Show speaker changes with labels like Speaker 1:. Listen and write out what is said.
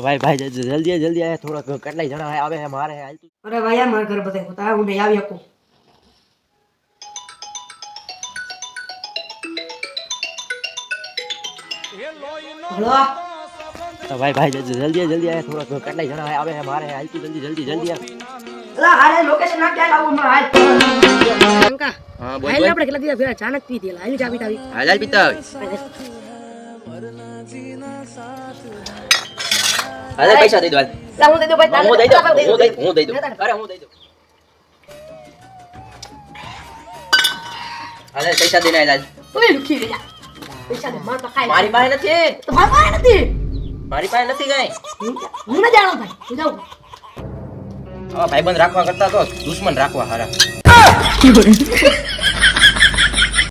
Speaker 1: भाई भाई जल्दी जल्दी आया थोड़ा कटलाई जना है आवे है मारे है
Speaker 2: अरे भाई यार मार घर बताए होता है उन्हें याद को हेलो
Speaker 1: भाई भाई जल्दी आया थोड़ा कटलाई जना है आवे है मारे है तू जल्दी आ
Speaker 2: अला अरे लोकेशन ना क्या लाऊं मैं हाल का
Speaker 1: हां
Speaker 2: बोल हाल આપણે કેટલા દિવસ ફેરા અચાનક પી દેલા આવી ચાબી તાવી
Speaker 1: हाल पीता अरे पैसा दे दो
Speaker 2: ला હું દઈ દો ભાઈ
Speaker 1: હું દઈ દો અરે હું દઈ દો अरे पैसा देना है लाल
Speaker 2: ઓય લુખી લે જા પૈસા દે માર તો ખાઈ
Speaker 1: मारी पाए નથી
Speaker 2: તો માર નથી
Speaker 1: मारी पाए નથી गई
Speaker 2: હું ન જાણો ભાઈ હું જાઉં
Speaker 1: भाईबंध राखवा करता तो दुश्मन राखवा हारा